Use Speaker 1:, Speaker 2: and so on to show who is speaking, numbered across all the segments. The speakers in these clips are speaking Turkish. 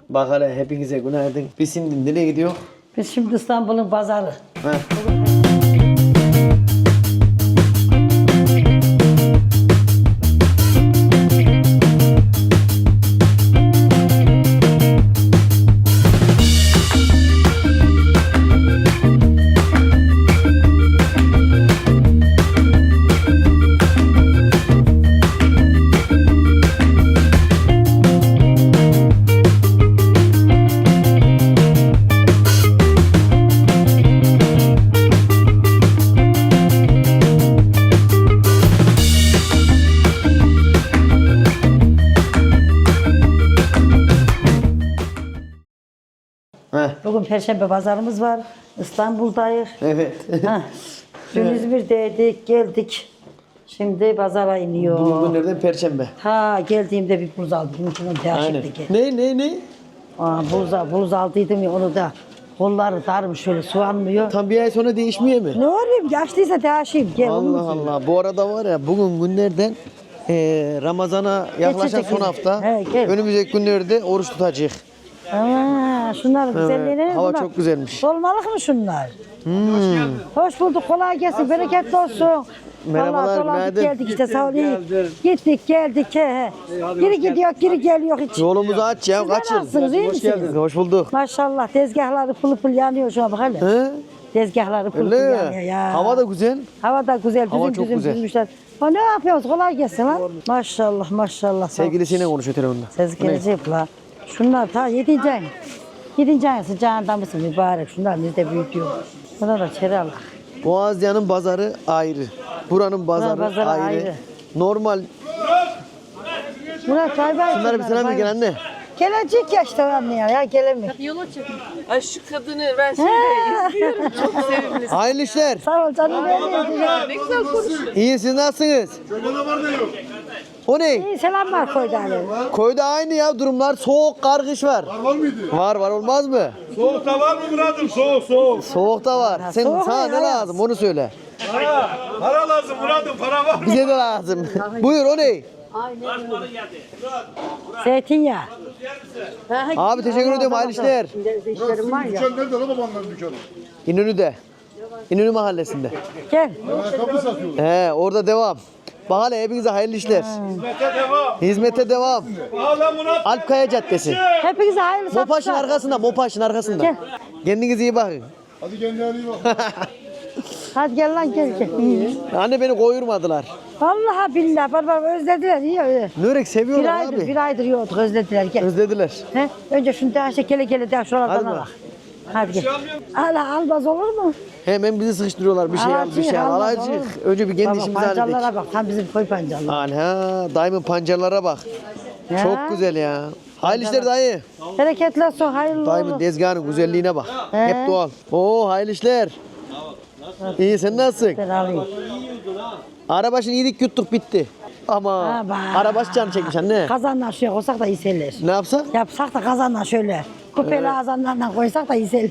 Speaker 1: Bak hele hepinize günaydın. Biz şimdi nereye gidiyor?
Speaker 2: Biz şimdi İstanbul'un pazarı.
Speaker 1: Heh. Heh.
Speaker 2: Bugün Perşembe pazarımız var. İstanbul'dayız.
Speaker 1: Evet.
Speaker 2: Heh. Dün İzmir'deydik, geldik. Şimdi pazara iniyor.
Speaker 1: Bugün günlerden Perşembe.
Speaker 2: Ha geldiğimde bir buz aldım. Bunun
Speaker 1: Aynen.
Speaker 2: değişikti.
Speaker 1: Ne?
Speaker 2: Buz aldıydım ya onu da. Kolları darmış şöyle soğanmıyor.
Speaker 1: Tam bir ay sonra değişmiyor mu?
Speaker 2: Ne olayım yaşlıysa değişeyim. Gel
Speaker 1: Allah Allah. Bu arada var ya bugün günlerden Ramazan'a yaklaşan
Speaker 2: Geçecek.
Speaker 1: son hafta.
Speaker 2: He, gel.
Speaker 1: Önümüzdeki günlerde oruç tutacak.
Speaker 2: Aa, şunlar güzelliğine
Speaker 1: hava
Speaker 2: bunlar.
Speaker 1: çok güzelmiş.
Speaker 2: Dolmalık mı şunlar? Hoş bulduk, kolay gelsin, bereketli olsun.
Speaker 1: Merhabalar,
Speaker 2: Vallahi dolandık
Speaker 1: günaydın.
Speaker 2: geldik işte sağ olun. Gittik geldik. He. Geri gidiyor, geri geliyor hiç.
Speaker 1: Yolumuzu aç ya.
Speaker 2: Siz
Speaker 1: Kaç yıl?
Speaker 2: nasılsınız, iyi misiniz?
Speaker 1: Hoş bulduk.
Speaker 2: Maşallah tezgahları pıl pıl yanıyor şu an bak hele.
Speaker 1: He?
Speaker 2: Tezgahları pıl pıl
Speaker 1: Öyle
Speaker 2: yanıyor
Speaker 1: mi?
Speaker 2: ya.
Speaker 1: Hava da güzel.
Speaker 2: Hava da güzel,
Speaker 1: Hava
Speaker 2: düzüm
Speaker 1: çok
Speaker 2: düzüm
Speaker 1: güzel.
Speaker 2: düzmüşler. Ha ne yapıyorsunuz? Kolay gelsin lan. Maşallah maşallah.
Speaker 1: Sevgilisiyle konuşuyor telefonda.
Speaker 2: Ses gelecek la. Şunlar ta 7. ayın. 7. ayın sıcağında mısın mübarek? Şunlar nerede büyütüyor? Buna da çeralak.
Speaker 1: Boğazya'nın pazarı ayrı. Buranın pazarı,
Speaker 2: pazarı ayrı.
Speaker 1: Normal.
Speaker 2: Murat bay bay.
Speaker 1: Bunlara bir selam ver gel anne.
Speaker 2: Gelecek ya işte anne ya gelemiyor.
Speaker 3: Ay şu kadını ben şimdi izliyorum. Çok sevimli.
Speaker 1: Hayırlı işler.
Speaker 2: Sağ ol canım benim.
Speaker 3: Ne güzel konuşuyor.
Speaker 1: İyi siz nasılsınız? O ne?
Speaker 2: İyi selamlar koydu Ali.
Speaker 1: Koyda aynı ya durumlar. Soğuk, kar, kış var.
Speaker 4: Var mıydı?
Speaker 1: Var olmaz mı?
Speaker 4: Soğukta var mı Murat'ım? Soğuk.
Speaker 1: Soğuk da var. Sen
Speaker 2: soğuk
Speaker 1: sana
Speaker 2: ya,
Speaker 1: ne
Speaker 2: ya.
Speaker 1: lazım onu söyle.
Speaker 4: Para lazım Murat'ım, para var mı?
Speaker 1: Bize de lazım. Buyur o ne?
Speaker 2: Zeytinyağı.
Speaker 1: Abi teşekkür ediyorum hayırlı işler.
Speaker 2: İşlerim var ya.
Speaker 4: Dükkan nerede lan babanların dükkanı?
Speaker 1: İnönü'de. İnönü mahallesinde.
Speaker 2: Gel.
Speaker 4: Ayakkabı satıyorlar.
Speaker 1: He orada devam. Bak hele hepinize hayırlı işler.
Speaker 4: Hizmete devam.
Speaker 1: Hizmete devam.
Speaker 4: Ağla Murat.
Speaker 1: Alpkaya Caddesi.
Speaker 2: Hepinize hayırlı
Speaker 1: Mopaş'ın
Speaker 2: satışlar.
Speaker 1: arkasında, Mopaş'ın arkasında.
Speaker 2: Gel.
Speaker 1: Kendinize iyi bakın.
Speaker 4: Hadi kendine iyi bak.
Speaker 2: Hadi gel lan gel.
Speaker 1: Anne beni koyurmadılar.
Speaker 2: Vallahi billahi barbar özlediler iyi öyle.
Speaker 1: Nörek seviyorlar
Speaker 2: Bir
Speaker 1: abi.
Speaker 2: aydır yiyorduk özlediler gel.
Speaker 1: Özlediler.
Speaker 2: He? Önce şunu daha gele daha şuralardan
Speaker 1: Hadi
Speaker 2: al.
Speaker 1: bak.
Speaker 2: Hadi gel. Almaz olur mu?
Speaker 1: Hemen bizi sıkıştırıyorlar bir şey al bir şey al.
Speaker 2: Alacak,
Speaker 1: Alacak.
Speaker 2: olur.
Speaker 1: Önce bir kendi
Speaker 2: Baba
Speaker 1: işimizi halledik.
Speaker 2: pancarlara bak tam bizim koy pancarlar.
Speaker 1: Ana dayımın pancarlara bak.
Speaker 2: Ya.
Speaker 1: Çok güzel ya. Hayırlı işler dayı.
Speaker 2: Bereketli olsun hayırlı
Speaker 1: Dayımın
Speaker 2: olsun.
Speaker 1: tezgahının güzelliğine bak.
Speaker 2: He.
Speaker 1: Hep doğal. Oo hayırlı işler. İyi sen nasılsın?
Speaker 2: Ben alayım.
Speaker 1: Arabaşını yedik yuttuk bitti. Ama
Speaker 2: Ama.
Speaker 1: arabaşı canı çekmiş anne.
Speaker 2: Kazanla şuraya koysak da iyi seller.
Speaker 1: Ne yapsak?
Speaker 2: Yapsak da kazanla şöyle. Kupeli ağzından koysak da iyi seller.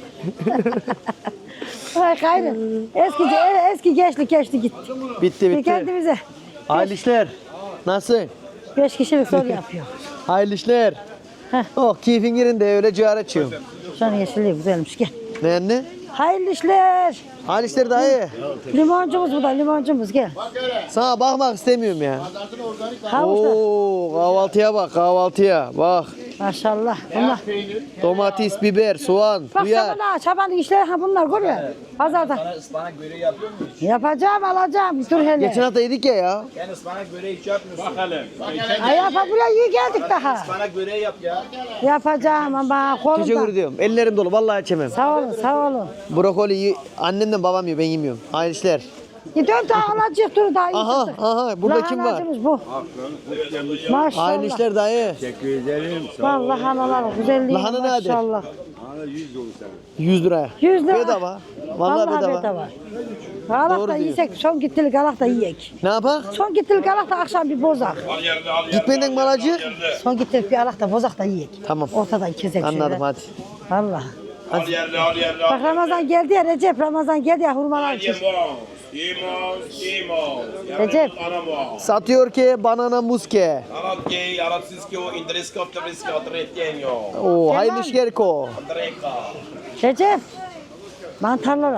Speaker 2: Ay gayrı. Eski gençlik geçti gitti.
Speaker 1: Bitti
Speaker 2: Bir
Speaker 1: bitti.
Speaker 2: kendimize
Speaker 1: Hayırlı işler. Nasıl?
Speaker 2: 5 kişilik soru yapıyor.
Speaker 1: Hayırlı işler.
Speaker 2: Heh.
Speaker 1: Oh keyfin yerinde öyle ciğer açıyorum.
Speaker 2: Şu an yeşilliği güzelmiş gel.
Speaker 1: Ne anne?
Speaker 2: Hayırlı işler.
Speaker 1: Hayırlı işler dayı.
Speaker 2: Limoncumuz bu da limoncumuz gel.
Speaker 1: Sana bakmak istemiyorum ya.
Speaker 2: Havuçlar.
Speaker 1: Oo kahvaltıya bak kahvaltıya. Bak
Speaker 2: Maşallah. Bunlar.
Speaker 1: domates, biber, soğan,
Speaker 2: Bak
Speaker 1: hıyar.
Speaker 2: çabanın işleri ha bunlar görüyor musun? Pazarda.
Speaker 5: Bana ıspanak böreği yapıyor muyuz?
Speaker 2: Yapacağım alacağım. Dur hele.
Speaker 1: Geçen hafta yedik ya.
Speaker 5: Yani ıspanak böreği hiç yapmıyorsun.
Speaker 2: Ay buraya iyi geldik daha.
Speaker 5: Ispanak böreği yap ya.
Speaker 2: Yapacağım ama kolumda.
Speaker 1: Teşekkür ediyorum. Ellerim dolu vallahi içemem.
Speaker 2: Sağ olun sağ olun.
Speaker 1: Brokoli annemden babam yiyor ben yemiyorum. Hayırlı işler.
Speaker 2: Dön daha alacak dur daha iyi.
Speaker 1: Aha
Speaker 2: tuttuk.
Speaker 1: aha burada kim var?
Speaker 2: Lahanacımız bu. Maşallah.
Speaker 1: Hayırlı işler dayı.
Speaker 2: Vallahi analar güzelliği
Speaker 1: Lahana ne adet?
Speaker 2: maşallah.
Speaker 1: 100 liraya.
Speaker 2: 100 lira.
Speaker 1: Bedava. Vallahi bedava.
Speaker 2: Galak
Speaker 1: Doğru
Speaker 2: da
Speaker 1: diyor.
Speaker 2: yiyecek, son gittilik galak da yiyek.
Speaker 1: Ne yapak?
Speaker 2: Son gittilik galak da akşam bir bozak.
Speaker 1: Gitmeden balacı.
Speaker 2: Son gittilik bir alak da bozak da yiyek.
Speaker 1: Tamam.
Speaker 2: Ortadan kesek
Speaker 1: Anladım hadi.
Speaker 2: Vallahi.
Speaker 4: Al yerli.
Speaker 2: Bak Ramazan geldi ya Recep, Ramazan geldi ya hurmalar için. Recep.
Speaker 1: Satıyor ki banana muske.
Speaker 5: Arat arat siski o indiriska optimiska tretjenyo.
Speaker 1: Oo, hayırlı işler ko.
Speaker 5: Andreka.
Speaker 2: Recep. Mantarlara.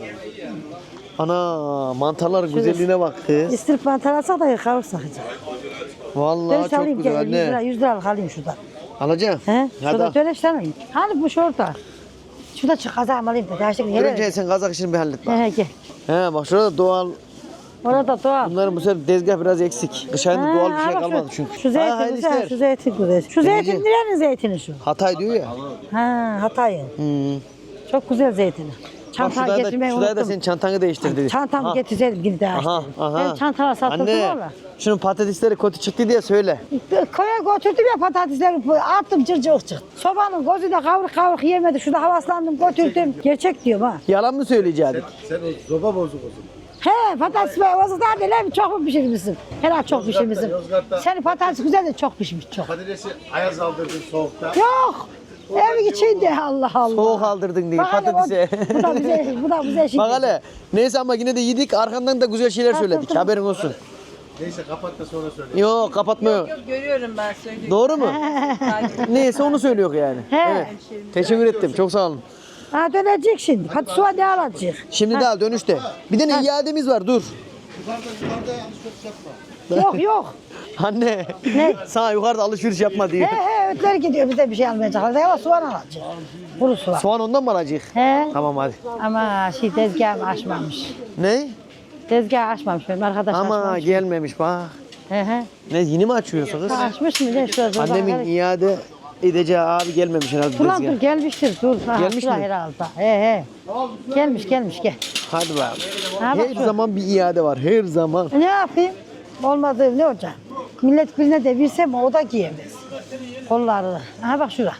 Speaker 1: Ana mantarların güzelliğine bak kız.
Speaker 2: İstirip mantar alsak da kavursak.
Speaker 1: Vallahi
Speaker 2: Dönüş
Speaker 1: çok
Speaker 2: alayım
Speaker 1: güzel
Speaker 2: gel 100 lira
Speaker 1: anne.
Speaker 2: 100 liralık alayım şuradan.
Speaker 1: Alacaksın.
Speaker 2: He? Şurada
Speaker 1: Hadi.
Speaker 2: dönüş alayım. Hani bu şurada. Şurada çık kazağımı alayım da. Gerçekten
Speaker 1: Önce
Speaker 2: yere.
Speaker 1: sen kazak işini bir hallet bak.
Speaker 2: He gel.
Speaker 1: He bak şurada doğal.
Speaker 2: Orada doğal.
Speaker 1: Bunların bu sefer tezgah biraz eksik. Kış ayında
Speaker 2: Ha,
Speaker 1: doğal bir şey
Speaker 2: bak
Speaker 1: kalmadı
Speaker 2: şu,
Speaker 1: çünkü.
Speaker 2: Şu
Speaker 1: Ha,
Speaker 2: zeytin
Speaker 1: hayırlı
Speaker 2: güzel,
Speaker 1: işler.
Speaker 2: şu zeytin güzel. Şu
Speaker 1: Deneyeceğim.
Speaker 2: zeytin nerenin zeytini şu?
Speaker 1: Hatay diyor ya.
Speaker 2: Ha Hatay'ın.
Speaker 1: Hmm.
Speaker 2: Çok güzel zeytini.
Speaker 1: Bak
Speaker 2: Çantayı
Speaker 1: şurada
Speaker 2: getirmeyi
Speaker 1: da, şurada da
Speaker 2: unuttum.
Speaker 1: senin çantanı değiştir dedi.
Speaker 2: Çantamı
Speaker 1: Ha.
Speaker 2: getirseydim yine daha
Speaker 1: Aha,
Speaker 2: işte.
Speaker 1: aha.
Speaker 2: Ben çantalar sattırdım
Speaker 1: Anne,
Speaker 2: valla.
Speaker 1: şunun patatesleri kötü çıktı diye söyle.
Speaker 2: Koya götürdüm ya patatesleri attım cırcık çıktı. Sobanın gözüyle kavruk kavruk yemedi. Şurada havaslandım götürdüm. Gerçek diyorum ha.
Speaker 1: Yalan mı söyleyeceksin?
Speaker 4: Sen o zoba bozuk o zaman.
Speaker 2: He patates bozuklar değil mi? Çok mu pişirmişsin? Herhalde çok pişirmişsin.
Speaker 4: Yozgat'ta.
Speaker 2: Senin patates güzel de çok pişmiş çok.
Speaker 4: Patatesi ayaz aldırdın soğukta.
Speaker 2: Yok. Evin içinde Allah Allah.
Speaker 1: Soğuk aldırdın diye
Speaker 2: Bak hele
Speaker 1: patatese.
Speaker 2: Bu da bize, bu da bize şimdi.
Speaker 1: Bak hele. Neyse ama yine de yedik arkandan da güzel şeyler söyledik.
Speaker 2: tamam.
Speaker 1: Haberin olsun.
Speaker 4: Neyse kapat da sonra söyle.
Speaker 1: Yok kapatmıyor.
Speaker 3: Yok görüyorum ben söyleyeyim.
Speaker 1: Doğru mu? Neyse onu söylüyor yani.
Speaker 2: He.
Speaker 1: Evet. Teşekkür ettim. Çok sağ olun.
Speaker 2: Ha dönecek şimdi. Hadi suya ne alacak?
Speaker 1: Şimdi daha dönüşte. Bir de ne iademiz var dur.
Speaker 4: Yukarıda yanlış çok yapma.
Speaker 2: Yok.
Speaker 1: Anne.
Speaker 2: Ne?
Speaker 1: Sana yukarıda alışveriş yapma diyor.
Speaker 2: He ötleri gidiyor bize bir şey almayacaklar. Ama soğan alacak. Kuru soğan.
Speaker 1: Soğan ondan mı alacak?
Speaker 2: He.
Speaker 1: Tamam hadi.
Speaker 2: Ama tezgahımı açmamış.
Speaker 1: Ne?
Speaker 2: Tezgahı açmamış benim arkadaş
Speaker 1: Ama
Speaker 2: açmamış.
Speaker 1: gelmemiş bak.
Speaker 2: He.
Speaker 1: Ne yeni mi açıyorsunuz?
Speaker 2: Açmış mı ne şurada?
Speaker 1: Annemin iade edeceği abi gelmemiş herhalde
Speaker 2: Ulan dur
Speaker 1: tezgah.
Speaker 2: gelmiştir dur. Ha,
Speaker 1: Gelmiş
Speaker 2: şura
Speaker 1: mi?
Speaker 2: herhalde. He. Gelmiş gel.
Speaker 1: Hadi bakalım.
Speaker 2: Ha, bak
Speaker 1: Her
Speaker 2: şu.
Speaker 1: zaman bir iade var. Her zaman.
Speaker 2: Ne yapayım? Olmadı ne olacak? Millet birine de versem o da giyemez. Kollarını. Aha bak şura.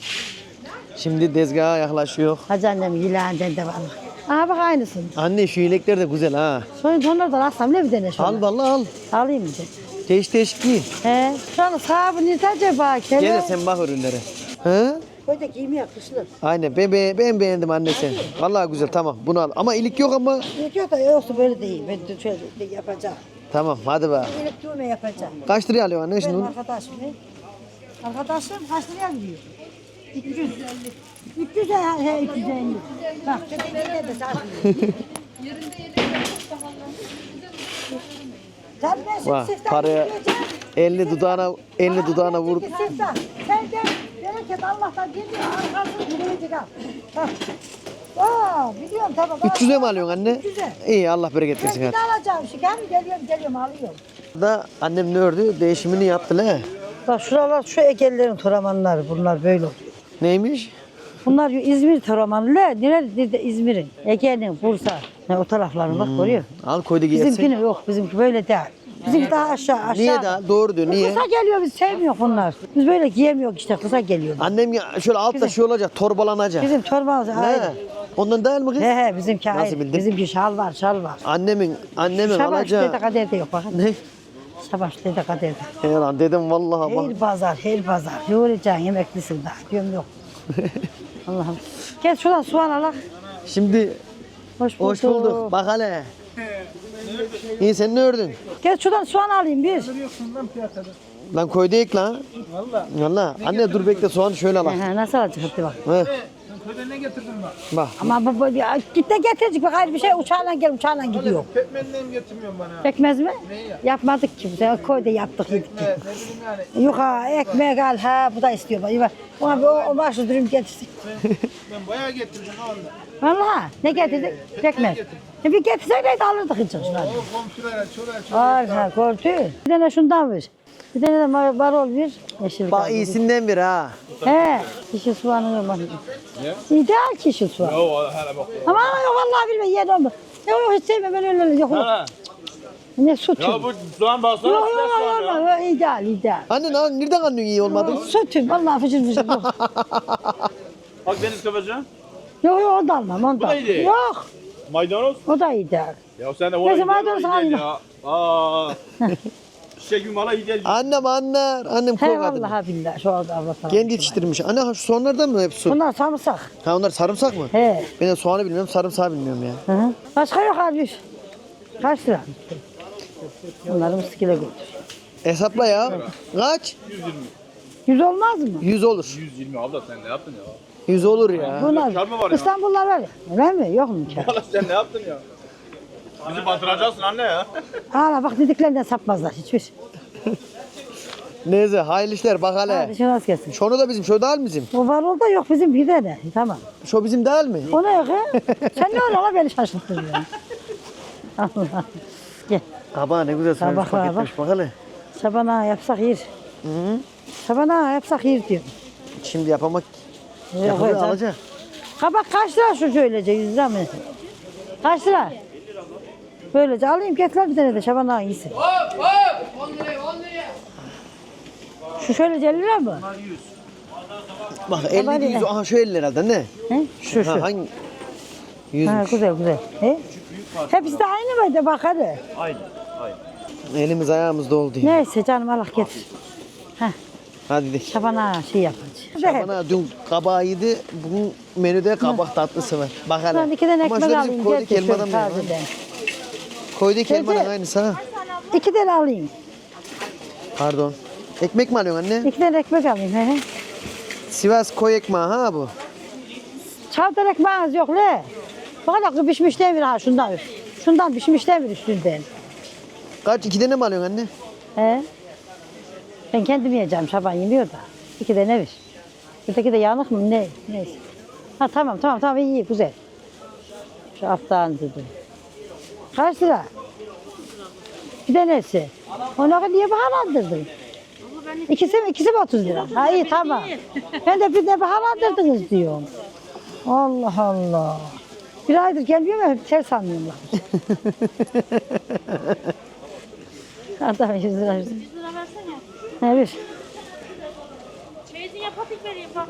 Speaker 1: Şimdi tezgaha yaklaşıyor.
Speaker 2: Hacı annem yılağından da var. Aha bak aynısın.
Speaker 1: Anne şu yelekler de güzel ha.
Speaker 2: Soyun onlardan alsam ne bir tane şunu.
Speaker 1: Al vallahi al.
Speaker 2: Alayım bir de.
Speaker 1: Değiş giy.
Speaker 2: He. Şu an sahibi nerede acaba?
Speaker 1: Gel de
Speaker 2: Kele.
Speaker 1: sen bak ürünlere. He?
Speaker 2: Böyle giymeye kışlı.
Speaker 1: Aynen ben beğendim anne sen. Vallahi güzel tamam bunu al. Ama ilik yok ama.
Speaker 2: Yok da yoksa böyle değil. Ben de şöyle de yapacağım.
Speaker 1: Tamam hadi bak.
Speaker 2: Gelip düğme yapacağım.
Speaker 1: Kaç liraya alıyorsun anne şimdi
Speaker 2: Benim
Speaker 1: bunu?
Speaker 2: arkadaşım ne? Arkadaşım kaç liraya gidiyor? 300. 300 he 350. Bak köpeğine de satmıyor. Sen ben
Speaker 1: Vah,
Speaker 2: şimdi
Speaker 1: paraya 50 dudağına vur.
Speaker 2: Sen de bereket Allah'tan geliyor arkasını gülecek al. Bak. Aa biliyorum tamam.
Speaker 1: 300'e mi alıyorsun anne?
Speaker 2: 300'e.
Speaker 1: İyi Allah bereket
Speaker 2: Ben
Speaker 1: versin
Speaker 2: bir
Speaker 1: hadi.
Speaker 2: de alacağım. Şeker geliyorum alıyorum.
Speaker 1: Da annem ne ördü? Değişimini yaptı le.
Speaker 2: Bak şuralar şu Egelilerin toramanları bunlar böyle oluyor.
Speaker 1: Neymiş?
Speaker 2: Bunlar İzmir toramanı. Nerede İzmir'in? Ege'nin, Bursa. Ne, o tarafların bak görüyor.
Speaker 1: Al koydu giyersin.
Speaker 2: Bizimkini yok. Bizimki böyle değil. Bizimki daha aşağı.
Speaker 1: Niye daha? Doğru diyor. Niye?
Speaker 2: Kısa geliyor biz sevmiyor bunlar. Biz böyle giyemiyoruz işte kısa geliyor.
Speaker 1: Annem ya şöyle altta şey olacak, torbalanacak.
Speaker 2: Bizim torbamız
Speaker 1: Ne?
Speaker 2: ayrı.
Speaker 1: Ondan değil mi kız?
Speaker 2: He bizimki
Speaker 1: Nasıl
Speaker 2: ayrı.
Speaker 1: bildin?
Speaker 2: Bizimki şal var.
Speaker 1: Annemin
Speaker 2: Şabaş
Speaker 1: alacağı.
Speaker 2: dede kaderde yok bakın.
Speaker 1: Ne?
Speaker 2: Şabaş dede kaderde.
Speaker 1: He lan dedim vallahi bak.
Speaker 2: Her pazar. Yoğuracaksın yemeklisin daha. Diyorum yok. Allah'ım. Gel şuradan soğan alak.
Speaker 1: Şimdi
Speaker 2: Hoş bulduk.
Speaker 1: hoş bulduk. Bak hele. İyi sen ne ördün?
Speaker 2: Gel şuradan soğan alayım bir.
Speaker 1: Lan koydu ek lan. Valla. Anne dur bekle soğanı şöyle al.
Speaker 2: Nasıl alacak hadi bak.
Speaker 1: He. Bak.
Speaker 2: Ama git de getirecek bak ayrı bir şey uçağla gel uçağla gidiyor.
Speaker 4: Pekmenden getirmiyorsun bana.
Speaker 2: Pekmez mi? Yapmadık ki. Koy da yaptık yedik. Yok ha ekmek al ha bu da istiyor. Bak. Ona bir o başlı dürüm getirsin.
Speaker 4: Ben bayağı getirdim o anda.
Speaker 2: Vallahi ne getirdik? Pekmez. Bir getirseydi alırdık hiç.
Speaker 4: O komşulara çoraya
Speaker 2: Ay ha gördü. Bir tane şundan ver. Bir tane de marol ver. Yeşil
Speaker 1: Bak
Speaker 2: kaldı.
Speaker 1: iyisinden bir ha.
Speaker 2: He. Kişi soğanı olmadı. İdeal kişi soğan. Ama yok vallahi bilmem yer olmaz. Yok hiç sevmem ben öyle yok. Ne sütüm.
Speaker 5: Ya bu soğan baksana.
Speaker 2: Yok yok ideal.
Speaker 1: Anne nereden anlıyorsun iyi olmadı?
Speaker 2: Sütüm vallahi fıcır yok.
Speaker 5: Bak deniz köpeceğim.
Speaker 2: Yok onu da almam onu da.
Speaker 5: Bu da iyi.
Speaker 2: Yok
Speaker 5: Maydanoz.
Speaker 2: o da ideal.
Speaker 5: Ya sen de
Speaker 2: Neyse, maydanoz alma.
Speaker 5: ya. Aa. Çiçek gibi mala iyi gel.
Speaker 1: Annem anlar. Annem
Speaker 2: He
Speaker 1: koy kadın.
Speaker 2: vallahi billahi şu anda avlatalım.
Speaker 1: Kendi yetiştirmiş. Anne ha, şu soğanlardan mı hepsi?
Speaker 2: Bunlar sarımsak.
Speaker 1: Ha onlar sarımsak mı?
Speaker 2: He.
Speaker 1: Ben de soğanı bilmiyorum, sarımsağı bilmiyorum ya.
Speaker 2: Hı hı. Başka yok abi. Kaç lira? Onları Mıskil'e götür.
Speaker 1: Hesapla ya. Kaç?
Speaker 2: 100 olmaz mı?
Speaker 1: 100 olur.
Speaker 5: 120 abla sen ne yaptın ya?
Speaker 1: 100 olur ya.
Speaker 2: Bunlar
Speaker 5: kar mı var ya?
Speaker 2: İstanbul'lar var ya. Öyle mi? Yok mu kar?
Speaker 5: Valla sen ne yaptın ya? Bizi batıracaksın anne ya.
Speaker 2: Hala bak dediklerinden sapmazlar hiçbir.
Speaker 1: Neyse hayırlı işler bak hele.
Speaker 2: Hadi şunu az gelsin.
Speaker 1: Şunu da bizim, şu değil mi bizim?
Speaker 2: O var orada yok bizim bir de ne? Tamam.
Speaker 1: Şu bizim değil mi?
Speaker 2: O ne yok ha? Sen ne öyle la beni şaşırttın ya. Allah. Gel.
Speaker 1: Aba ne güzel sarmış
Speaker 2: Tabaklar bak.
Speaker 1: paketmiş bak hele.
Speaker 2: Şabana yapsak yer. Şabana yapsak yer diyor.
Speaker 1: Şimdi yapamak.
Speaker 2: Yok,
Speaker 1: Yapılır
Speaker 2: hocam.
Speaker 1: alacak.
Speaker 2: Kabak kaç lira şu şöylece 100 lira mı? Kaç lira? Böylece alayım getir bir tane de Şaban iyisi. Şu şöylece 50 lira mı?
Speaker 1: Bak 50 değil, aha şu 50 herhalde ne?
Speaker 2: He? Şu.
Speaker 1: Ha, hangi?
Speaker 2: Ha,
Speaker 1: 100'müş.
Speaker 2: güzel güzel. He? Hepsi de aynı mıydı bak hadi.
Speaker 1: Elimiz ayağımız doldu. Ya.
Speaker 2: Neyse canım Allah getir. Heh,
Speaker 1: Hadi de.
Speaker 2: Şaban şey yapacağız.
Speaker 1: Bana dün kabağı yedi, bugün menüde kabak tatlısı var. Bak hele.
Speaker 2: Ben 2 tane
Speaker 1: Ama
Speaker 2: ekmek
Speaker 1: şurada bizim
Speaker 2: alayım.
Speaker 1: koyduk
Speaker 2: getir
Speaker 1: elmadan
Speaker 2: şöyle
Speaker 1: mı?
Speaker 2: tazeden.
Speaker 1: Koyduk
Speaker 2: Teyze.
Speaker 1: elmanın aynısı ha.
Speaker 2: 2 tane alayım.
Speaker 1: Pardon. Ekmek mi alıyorsun anne?
Speaker 2: 2 tane ekmek alayım. He.
Speaker 1: Sivas koy ekmeği ha bu.
Speaker 2: Çavdar ekmeğiniz yok le. Bak pişmiş demir ha şundan. Şundan pişmiş demir üstünden.
Speaker 1: Kaç? 2 tane mi alıyorsun anne?
Speaker 2: He. Ben kendim yiyeceğim Şaban yemiyor da. 2 tane ver. Öteki de yanık mı ne? Neyse. Ha tamam iyi güzel. Şu alttan dedim. Kaç lira? Bir tanesi. Onu niye bahalandırdın? İkisi mi 30 lira? Ha iyi tamam. Ben de bir de bahalandırdınız diyorum. Allah Allah. Bir aydır gelmiyor mu? Hep ters anlıyorlar. Adam 100 lira.
Speaker 6: 100 lira versene.
Speaker 2: Ne bir?
Speaker 6: Çeyizine patik vereyim bak.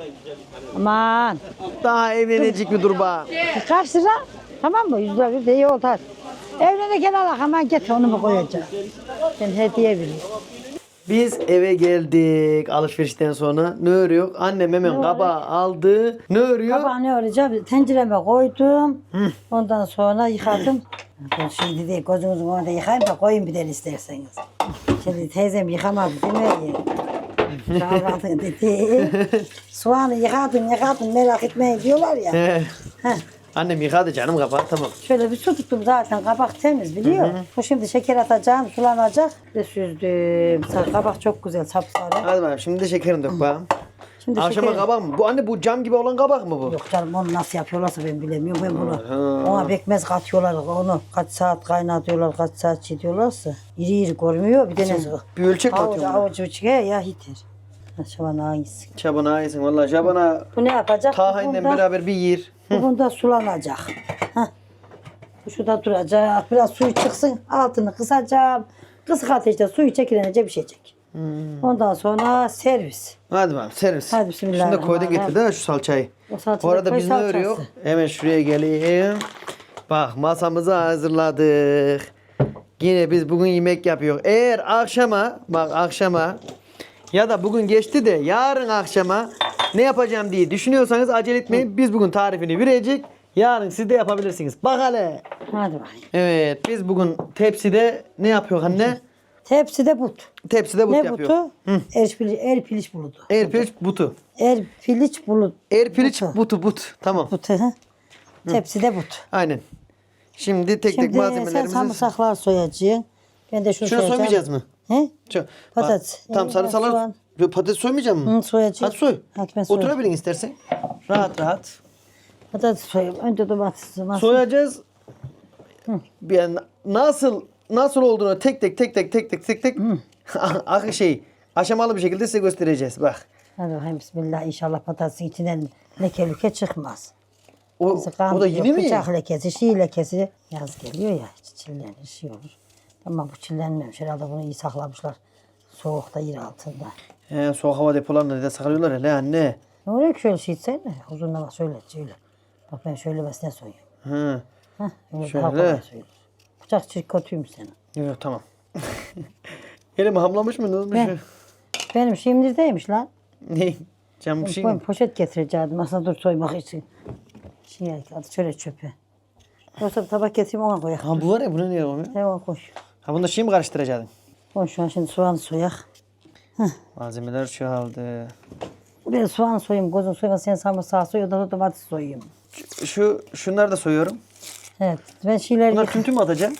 Speaker 2: Aman.
Speaker 1: Daha evlenecek bir dur bak.
Speaker 2: Kaç lira? Tamam mı? 100 lira bir de iyi oldu hadi. Evlenirken al hemen getir onu mu koyacağım? Ben hediye vereyim.
Speaker 1: Biz eve geldik alışverişten sonra. Ne örüyor? Annem hemen kabağı aldı. Ne örüyor?
Speaker 2: Kabağı ne öreceğim? Tencereme koydum. Ondan sonra yıkadım. Ben şimdi değil gözünüzün önünde yıkayayım da koyun bir de isterseniz. Şimdi teyzem yıkamadı değil mi? Kahvaltı dedi. Soğanı yıkadım merak etmeyin diyorlar ya.
Speaker 1: He.
Speaker 2: Heh.
Speaker 1: Annem yıkadı canım kabağı tamam.
Speaker 2: Şöyle bir su tuttum zaten kabak temiz biliyor. Bu şimdi şeker atacağım sulanacak. Ve süzdüm. Kabak çok güzel sapsarı.
Speaker 1: Hadi bakalım şimdi de şekerini dök bakalım.
Speaker 2: Şimdi
Speaker 1: Akşama
Speaker 2: şeker...
Speaker 1: kabak mı? Bu anne bu cam gibi olan kabak mı bu?
Speaker 2: Yok canım onu nasıl yapıyorlarsa ben bilemiyorum. Ben bunu ona pekmez katıyorlar. Onu kaç saat kaynatıyorlar, kaç saat çiğdiyorlarsa. İri görmüyor. Bir de ne?
Speaker 1: Bir ölçek mi atıyorsun?
Speaker 2: Avucu çıkıyor ya yeter. Şaban hangisi?
Speaker 1: Şaban'a ayısın valla. Şaban'a
Speaker 2: Bu ne yapacak?
Speaker 1: tahinle beraber bir yer.
Speaker 2: Bu bunda sulanacak. Heh. Bu şurada duracak. Biraz suyu çıksın. Altını kısacağım. Kısık ateşte suyu çekilince pişecek. Ondan sonra servis.
Speaker 1: Hadi bakalım servis.
Speaker 2: Hadi bismillah.
Speaker 1: Şunu da koydun getir de şu salçayı.
Speaker 2: O salçayı
Speaker 1: Bu arada
Speaker 2: koy
Speaker 1: biz ne
Speaker 2: salçası.
Speaker 1: örüyor? Hemen şuraya geleyim. Bak masamızı hazırladık. Yine biz bugün yemek yapıyoruz. Eğer akşama ya da bugün geçti de yarın akşama ne yapacağım diye düşünüyorsanız acele etmeyin. Biz bugün tarifini verecek. Yarın siz de yapabilirsiniz. Bak hele.
Speaker 2: Hadi bakayım.
Speaker 1: Evet biz bugün tepside ne yapıyor anne?
Speaker 2: Tepside but.
Speaker 1: Tepside but
Speaker 2: Ne
Speaker 1: yapıyor.
Speaker 2: butu? Erpiliç buludu.
Speaker 1: Erpiliç butu.
Speaker 2: Erpiliç bulut.
Speaker 1: Erpiliç but. Tamam.
Speaker 2: Butu. Hı. Tepside but.
Speaker 1: Aynen. Şimdi tek
Speaker 2: Şimdi sen
Speaker 1: malzemelerimizi...
Speaker 2: sarımsaklar soyacaksın. Ben de şunu
Speaker 1: Şunu
Speaker 2: soyacağım.
Speaker 1: soymayacağız mı?
Speaker 2: He?
Speaker 1: Şu,
Speaker 2: Patates.
Speaker 1: Tamam sarımsaklar...
Speaker 2: soğan.
Speaker 1: Patates soymayacak mı?
Speaker 2: Hı, soyacağım.
Speaker 1: Hadi soy.
Speaker 2: Hadi ben soyayım.
Speaker 1: Oturabilin istersen. Rahat.
Speaker 2: Patates soyayım. Önce domates.
Speaker 1: Soyacağız. Yani nasıl olduğunu tek tek aşamalı bir şekilde size göstereceğiz. Bak.
Speaker 2: Hadi bakayım bismillah. İnşallah patatesin içinden leke çıkmaz.
Speaker 1: O da yeni mi?
Speaker 2: Bıçak lekesi, şiir lekesi. Yaz geliyor ya. Çillenir, şey olur. Ama bu çillenmemiş. Herhalde bunu iyi saklamışlar. Soğukta yer altında.
Speaker 1: Soğuk hava depolarında da saklıyorlar hele anne.
Speaker 2: Ne oluyor ki şöyle şey etsene. Uzunla bak şöyle. Bak ben şöylemesine soyuyorum.
Speaker 1: Hı.
Speaker 2: Hah, öyle
Speaker 1: Şöyle.
Speaker 2: daha kolay soyulur. Bıçak kötüymüş senin.
Speaker 1: Yok tamam. Elimi hamlamış mı? Ne olmuş?
Speaker 2: Ben- Benim şimdirdeymiş lan.
Speaker 1: Ne? Cam bir şey
Speaker 2: Ben
Speaker 1: mi?
Speaker 2: poşet getirecektim aslında dur soymak için. Şey hadi şöyle çöpe. Yoksa bir tabak getireyim ona koyak.
Speaker 1: Ha bu var ya bunu niye koymuyor?
Speaker 2: Hemen koy.
Speaker 1: Ha bunu da şimdi mi karıştıracaksın?
Speaker 2: Koy şu an şimdi soğanı soyak.
Speaker 1: Malzemeler çoğaldı.
Speaker 2: Buraya soğan soyayım, gözün soyma, sen sarımsağı soy, da domates soyayım.
Speaker 1: Şunları da soyuyorum.
Speaker 2: Evet, ben şeyleri
Speaker 1: Bunlar tüm mü atacağım?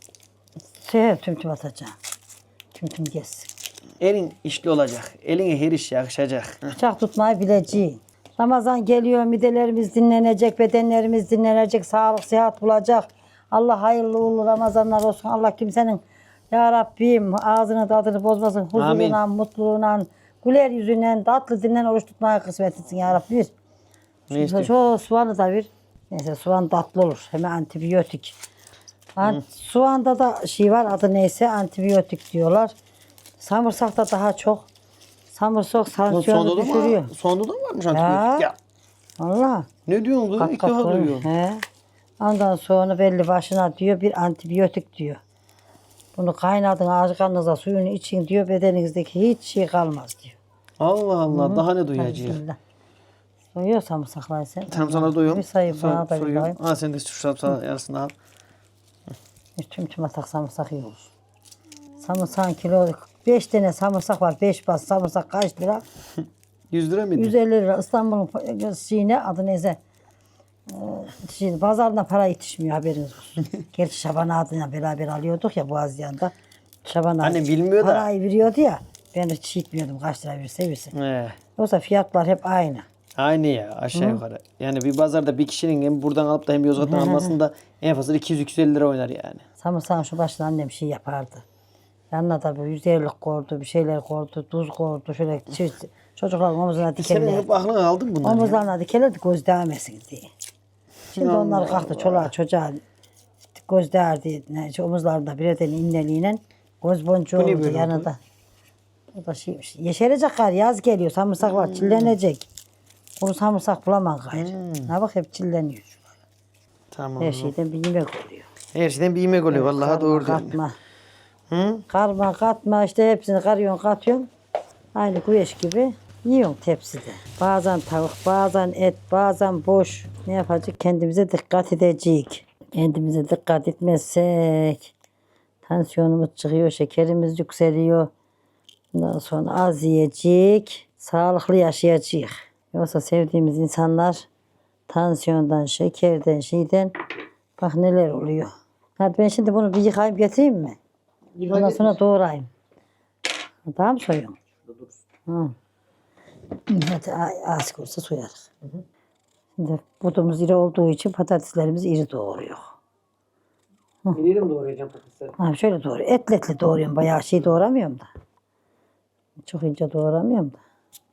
Speaker 2: tüm atacağım. Tüm gelsin.
Speaker 1: Elin işli olacak. Eline her iş yakışacak.
Speaker 2: Bıçak tutmayı bileceğim. Ramazan geliyor, midelerimiz dinlenecek, bedenlerimiz dinlenecek, sağlık, sıhhat bulacak. Allah hayırlı uğurlu Ramazanlar olsun. Allah kimsenin ya Rabbim ağzını tadını bozmasın. Huzuruna, mutluluğuna, güler yüzünden, tatlı dilinden oruç tutmaya kısmet etsin ya Rabbi.
Speaker 1: Ne istiyorsun?
Speaker 2: Şu soğanı da bir. Neyse soğan tatlı olur. Hem antibiyotik. Soğanda da şey var adı neyse antibiyotik diyorlar. Samırsakta daha çok. Samırsak sansiyonu düşürüyor.
Speaker 1: Sonunda da varmış antibiyotik ya.
Speaker 2: Allah.
Speaker 1: Ne diyorsun kız? İlk defa duyuyorum.
Speaker 2: He. Ondan sonra belli başına diyor bir antibiyotik diyor. Bunu kaynatın ağzınıza suyunu için diyor bedeninizdeki hiç şey kalmaz diyor.
Speaker 1: Allah Allah daha ne duyacağız?
Speaker 2: Bismillah. Soyuyor samırsakları sen.
Speaker 1: Tamam sana doyuyorum.
Speaker 2: Bir sayayım bana da bir
Speaker 1: Soyuyorum.
Speaker 2: bakayım.
Speaker 1: Ha sen de şu sarımsağı yarısını al.
Speaker 2: Tüm atak samırsak iyi olur. Samırsağın kilo 5 tane samırsak var. 5 bas samırsak kaç lira?
Speaker 1: 100 lira mıydı?
Speaker 2: 150 lira. İstanbul'un şeyine adı neyse. Şimdi pazarda para yetişmiyor haberiniz olsun. Gerçi Şaban adına beraber alıyorduk ya Boğaziyan'da. Şaban
Speaker 1: Anne bilmiyor da.
Speaker 2: parayı veriyordu ya. Ben hiç gitmiyordum kaç lira verse. Yoksa fiyatlar hep aynı.
Speaker 1: Aynı ya aşağı yukarı. Yani bir pazarda bir kişinin hem buradan alıp da hem Yozgat'tan almasında en fazla 200-250 lira oynar yani.
Speaker 2: Samırsağın şu başına annem şey yapardı. Yanına da böyle 150'lik koydu, bir şeyler koydu, tuz koydu. Şöyle çocukların omuzuna
Speaker 1: Senin
Speaker 2: dikerlerdi.
Speaker 1: hep aklına aldın bunları ya.
Speaker 2: Omuzlarına dikerlerdi göz değmesin diye. Şimdi onlar kalktı çoluğa çocuğa göz değerdi. Omuzlarında bir eden inneliğine göz boncuğu
Speaker 1: Bu ne
Speaker 2: oldu
Speaker 1: böyle
Speaker 2: yanında. O da şeymiş. Yeşerecek gayrı yaz geliyor. Samırsak var çillenecek. Kuru samırsak bulamam gayrı. Ne bak hep çilleniyor.
Speaker 1: Tamam.
Speaker 2: Her şeyden bir yemek oluyor.
Speaker 1: Her şeyden bir yemek oluyor. Vallahi
Speaker 2: Karma,
Speaker 1: doğru diyorsun.
Speaker 2: katma.
Speaker 1: Hı?
Speaker 2: Karma katma işte hepsini karıyorsun katıyorsun. Aynı güveç gibi yiyorsun tepside. Bazen tavuk, bazen et, bazen boş. Ne yapacak? Kendimize dikkat edecek. Kendimize dikkat etmezsek tansiyonumuz çıkıyor, şekerimiz yükseliyor. Ondan sonra az yiyecek, sağlıklı yaşayacak. Yoksa sevdiğimiz insanlar tansiyondan, şekerden, şeyden bak neler oluyor. Hadi ben şimdi bunu bir yıkayıp getireyim mi? Ondan sonra doğrayayım. Daha mı soyuyorsun? Hı. Hadi az olsa soyarız. Şimdi budumuz iri olduğu için patateslerimizi iri doğruyor.
Speaker 1: İri mi doğrayacağım patatesleri?
Speaker 2: Ha, şöyle doğruyor. Etli doğruyorum. Bayağı şey doğramıyorum da. Çok ince doğramıyorum da.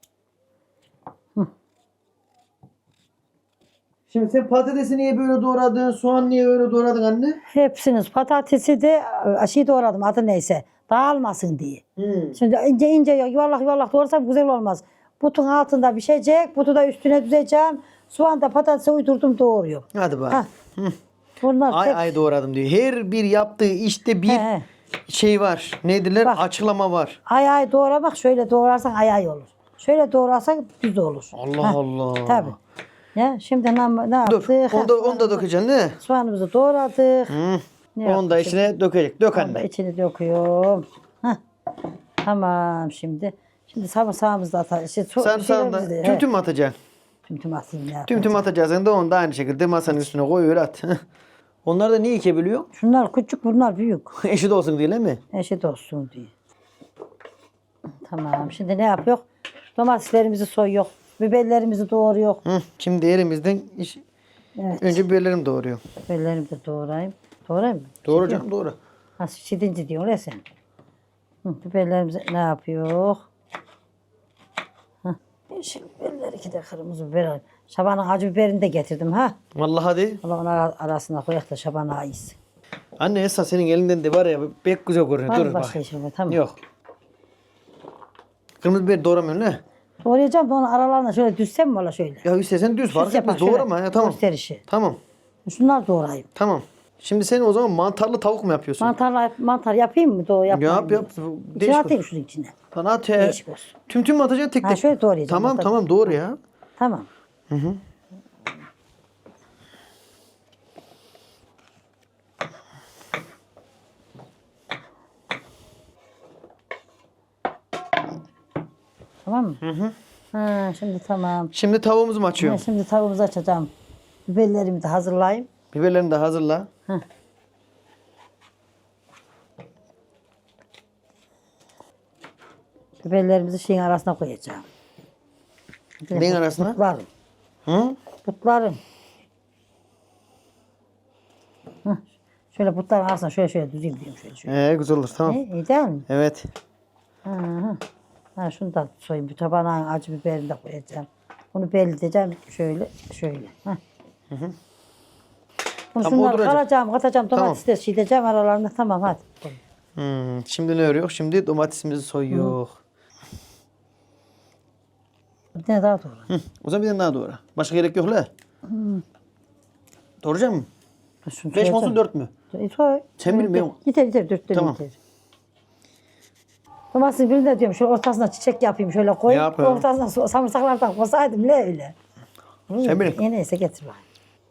Speaker 1: Şimdi sen patatesi niye böyle doğradın? Soğan niye öyle doğradın anne?
Speaker 2: Hepsiniz patatesi de şey doğradım adı neyse. Dağılmasın diye. Şimdi ince yuvarlak doğrarsam güzel olmaz. Butun altında pişecek, butu da üstüne düzeceğim. Soğan da patatese uydurdum doğruyorum.
Speaker 1: Hadi bak.
Speaker 2: Ha. Bunlar
Speaker 1: Ay
Speaker 2: tek-
Speaker 1: ay doğradım diyor. Her bir yaptığı işte bir
Speaker 2: He.
Speaker 1: şey var. Nedirler?
Speaker 2: Bak.
Speaker 1: Açıklama var.
Speaker 2: Ay doğramak şöyle doğrarsan ay olur. Şöyle doğrarsan düz olur.
Speaker 1: Allah Allah.
Speaker 2: Tabii. Ya şimdi ne yaptık?
Speaker 1: Dur. Onu da dökeceksin ne?
Speaker 2: Soğanımızı doğradık. Ne
Speaker 1: Onu da
Speaker 2: yaptık
Speaker 1: içine dökecek. Dök
Speaker 2: Onu da
Speaker 1: anne.
Speaker 2: içine döküyorum. Hah. Tamam şimdi. Şimdi sarımsağımızı da atalım.
Speaker 1: Sarımsağını da tüm mü atacaksın?
Speaker 2: Tüm atayım ya.
Speaker 1: Tüm atacaksın da onu da aynı şekilde masanın üstüne koy öyle at. Onlar da niye ikebiliyor?
Speaker 2: Şunlar küçük bunlar büyük.
Speaker 1: Eşit olsun diye değil mi?
Speaker 2: Eşit olsun diye. Tamam şimdi ne yapıyor? Domateslerimizi soyuyor. Biberlerimizi doğruyor.
Speaker 1: Şimdi elimizden
Speaker 2: Evet.
Speaker 1: önce biberlerim doğruyor.
Speaker 2: Biberlerimi de doğrayayım. Doğrayayım mı?
Speaker 1: Doğru canım doğru.
Speaker 2: Ha şidinci diyorsun ya sen. Biberlerimizi ne yapıyor? Şimdi biberler iki de kırmızı biber alayım. Şabanın acı biberini de getirdim ha.
Speaker 1: Vallahi hadi.
Speaker 2: Allah onun arasına koyak da şabana yesin.
Speaker 1: Anne Esra senin elinden de var ya pek güzel görünüyor.
Speaker 2: Var mı
Speaker 1: Dur
Speaker 2: başka
Speaker 1: bak.
Speaker 2: işin var? Tamam.
Speaker 1: Yok. Kırmızı biber doğramıyorsun ne?
Speaker 2: Doğrayacağım da onun aralarına şöyle düzsem mi valla şöyle?
Speaker 1: Ya istersen düz fark
Speaker 2: yapar,
Speaker 1: etmez.
Speaker 2: şöyle
Speaker 1: Doğrama ya tamam.
Speaker 2: gösterişi.
Speaker 1: Tamam.
Speaker 2: Şunlar doğrayayım.
Speaker 1: Tamam. Şimdi sen o zaman mantarlı tavuk mu yapıyorsun?
Speaker 2: Mantar yapayım mı? Doğru yapmayayım
Speaker 1: Yap
Speaker 2: mı?
Speaker 1: yap.
Speaker 2: İçine atayım şunun içine.
Speaker 1: Bana at ya.
Speaker 2: Değişik olsun.
Speaker 1: Tüm mü atacaksın tek
Speaker 2: Ha,
Speaker 1: tek?
Speaker 2: şöyle doğrayacağım.
Speaker 1: Tamam
Speaker 2: Tabii.
Speaker 1: tamam doğru ya.
Speaker 2: Tamam. Tamam mı? Ha, şimdi tamam.
Speaker 1: Şimdi tavuğumuzu mu
Speaker 2: Ben
Speaker 1: açıyorum?
Speaker 2: şimdi tavuğumuzu açacağım. Biberlerimi de hazırlayayım.
Speaker 1: Biberlerini de hazırla.
Speaker 2: Biberlerimizi şeyin arasına koyacağım.
Speaker 1: Neyin arasına?
Speaker 2: Butlarım.
Speaker 1: Hı?
Speaker 2: Butlarım. Hah, şöyle butların arasına şöyle düzeyim diyeyim şöyle.
Speaker 1: Güzel olur tamam.
Speaker 2: İyi değil mi?
Speaker 1: Evet.
Speaker 2: Ha, şunu da soyayım. Bir tabağına acı biberini de koyacağım. Bunu belirteceğim şöyle. Hah. Bunu
Speaker 1: Tamam,
Speaker 2: şunları
Speaker 1: oturacak.
Speaker 2: kalacağım, katacağım,
Speaker 1: Tamam.
Speaker 2: domatesleri çiğdeceğim aralarında. Tamam hadi.
Speaker 1: Şimdi ne örüyor? Şimdi domatesimizi soyuyor.
Speaker 2: Bir tane daha doğru.
Speaker 1: O zaman bir tane daha doğra. Başka gerek yok la. Doğrayacak mısın?
Speaker 2: Şunu
Speaker 1: 5 mi olsun
Speaker 2: soyacağım.
Speaker 1: 4 mü?
Speaker 2: Soy.
Speaker 1: Sen bilmiyorum.
Speaker 2: Yeter 4 tane
Speaker 1: Tamam.
Speaker 2: yeter. Domatesin birini de diyorum şöyle ortasına çiçek yapayım şöyle koy.
Speaker 1: Yap ya.
Speaker 2: Ortasına samırsaklardan koysaydım ne öyle.
Speaker 1: Sen bilin.
Speaker 2: Neyse getir bak.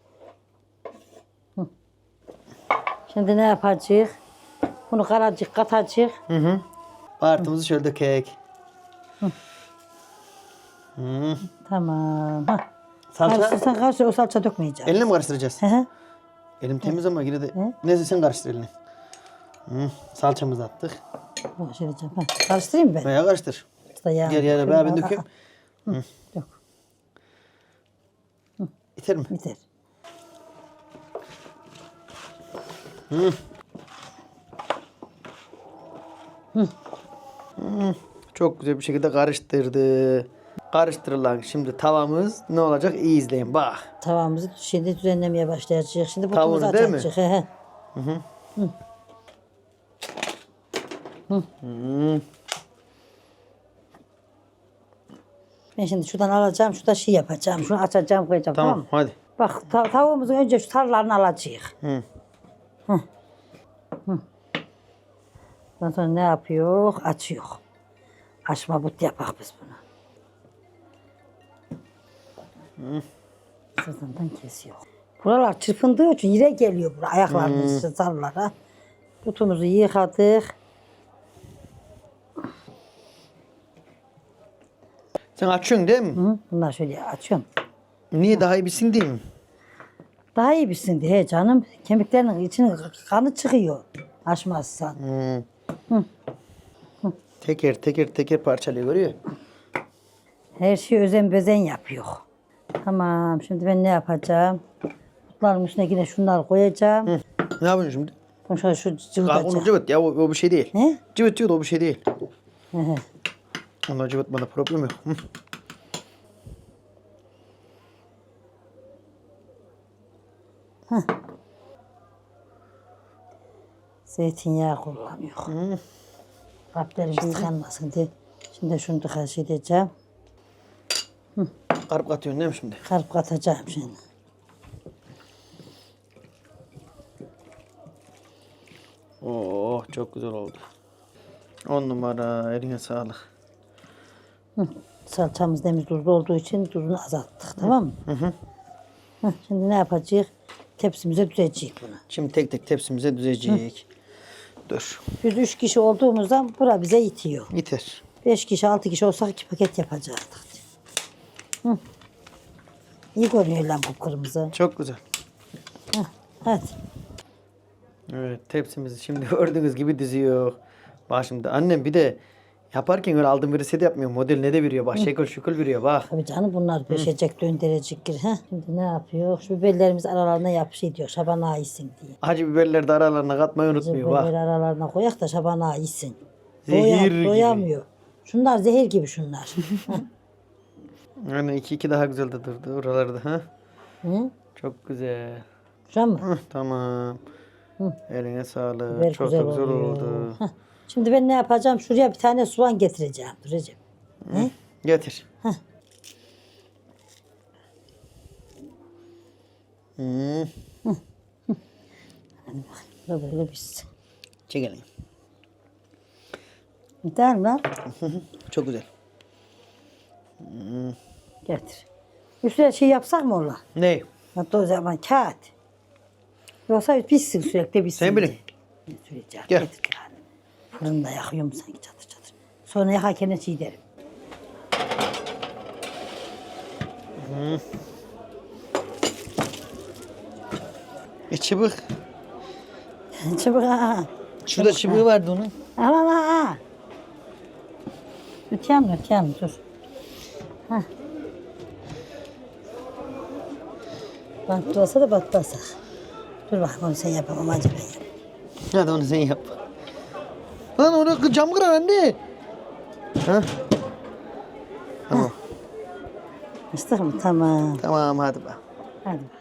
Speaker 2: Şimdi ne yapacağız? Bunu karacık katacağız.
Speaker 1: Baharatımızı şöyle dökek.
Speaker 2: Tamam. Hah.
Speaker 1: Salça.
Speaker 2: Karıştırsan karıştır o salça dökmeyeceğim.
Speaker 1: Eline mi karıştıracağız?
Speaker 2: Hı hı.
Speaker 1: Elim temiz ama yine de. Neyse sen karıştır elini. Salçamızı attık.
Speaker 2: Bak şöyle yapacağım. Hah, karıştırayım mı ben?
Speaker 1: Veya karıştır.
Speaker 2: İşte yağ.
Speaker 1: Gel yana ben dökeyim.
Speaker 2: Dök.
Speaker 1: İter mi?
Speaker 2: Biter.
Speaker 1: Çok güzel bir şekilde karıştırdı. Karıştırılan şimdi tavamız ne olacak? İyi izleyin bak.
Speaker 2: Tavamızı şimdi düzenlemeye başlayacağız. Şimdi
Speaker 1: Tavuğunu
Speaker 2: butumuzu
Speaker 1: değil mi?
Speaker 2: açacağız. He he. Ben şimdi şuradan alacağım, şurada şey yapacağım. Şunu açacağım, koyacağım. Tamam,
Speaker 1: Tamam
Speaker 2: mı?
Speaker 1: hadi.
Speaker 2: Bak tavuğumuzun önce şu tarlarını alacağız. Ondan sonra ne yapıyor? Açıyor. Açma but yapak biz bunu. Sırtından kesiyor. Buralar çırpındığı için yere geliyor buraya. Ayaklarımız sarılara. Butumuzu yıkadık.
Speaker 1: Sen açıyorsun değil mi?
Speaker 2: Hı, bunlar şöyle açıyorum.
Speaker 1: Niye daha iyi bilsin değil mi?
Speaker 2: Daha iyi bilsin diye canım. Kemiklerinin içine kanı çıkıyor. Açmazsan.
Speaker 1: Teker parçalıyor görüyor.
Speaker 2: Her şeyi özen bezen yapıyor. Tamam şimdi ben ne yapacağım? Butların üstüne yine şunları koyacağım.
Speaker 1: Ne yapıyorsun şimdi?
Speaker 2: Bunu şöyle şu
Speaker 1: Onu
Speaker 2: cıvıtacağım.
Speaker 1: cıvıt ya o bir şey değil.
Speaker 2: Ne?
Speaker 1: Cıvıt diyor da o bir şey değil.
Speaker 2: Hı hı.
Speaker 1: Onlar cıvıtmada problem yok.
Speaker 2: Zeytinyağı kullanıyor. Kalplerimiz tıkanmasın diye. Şimdi şunu da edeceğim.
Speaker 1: Karıp katıyorsun değil mi şimdi?
Speaker 2: Karıp katacağım şimdi.
Speaker 1: Oh çok güzel oldu. 10 numara eline sağlık.
Speaker 2: Salçamız demiz tuzlu olduğu için tuzunu azalttık. Tamam mı? Şimdi ne yapacağız? Tepsimize düzeceğiz bunu.
Speaker 1: Şimdi tek tek tepsimize düzecek. Dur.
Speaker 2: Biz 3 kişi olduğumuzdan bura bize yetiyor.
Speaker 1: Yeter.
Speaker 2: 5 kişi 6 kişi olsak 2 paket yapacaktık. İyi görünüyor lan bu kırmızı.
Speaker 1: Çok güzel.
Speaker 2: Hadi.
Speaker 1: Evet tepsimizi şimdi gördüğünüz gibi diziyor. Bak şimdi annem bir de yaparken öyle aldığım bir reset yapmıyor. Model ne de veriyor bak şekil şukul veriyor bak.
Speaker 2: Tabii canım bunlar pişecek, döndürecek. Şimdi ne yapıyor? Şu biberlerimiz aralarına yapışıyor diyor. Şabana yesin diye.
Speaker 1: Acı biberleri de aralarına katmayı unutmuyor
Speaker 2: Biberleri
Speaker 1: bak.
Speaker 2: aralarına koyak da şabana yesin.
Speaker 1: Zehir gibi.
Speaker 2: Doyamıyor. Şunlar zehir gibi şunlar.
Speaker 1: Yani iki daha güzel de durdu oralarda ha.
Speaker 2: Hı?
Speaker 1: Çok güzel.
Speaker 2: Şu an mı?
Speaker 1: Tamam. Eline sağlık.
Speaker 2: Biber
Speaker 1: Çok
Speaker 2: güzel
Speaker 1: da güzel
Speaker 2: oluyor.
Speaker 1: oldu.
Speaker 2: Heh. Şimdi ben ne yapacağım? Şuraya bir tane soğan getireceğim. Dur Recep. Ne?
Speaker 1: Getir.
Speaker 2: Heh. Dur böyle pişsin.
Speaker 1: Çekelim.
Speaker 2: Gider mi lan?
Speaker 1: Çok güzel.
Speaker 2: Getir. Üstüne şey yapsak mı ola?
Speaker 1: Ne?
Speaker 2: Hatta o zaman kağıt. Yoksa pişsin sürekli pişsin.
Speaker 1: Sen bilin.
Speaker 2: diye. Süreceğim.
Speaker 1: Gel.
Speaker 2: Getir yani. Fırında yakıyorum sanki çatır çatır. Sonra yakarken çiğ derim.
Speaker 1: Çıbık.
Speaker 2: Çabuk ha.
Speaker 1: Şurada çıbığı vardı onun.
Speaker 2: Al al al. Öteyem dur. Hah. Batmasa da batmasak. Dur bakayım onu sen yapamam acaba yap.
Speaker 1: Hadi onu sen yap. Lan orada cam kırar anne. Ha? Tamam.
Speaker 2: Açtık mı? Tamam.
Speaker 1: Tamam hadi bak.
Speaker 2: Hadi.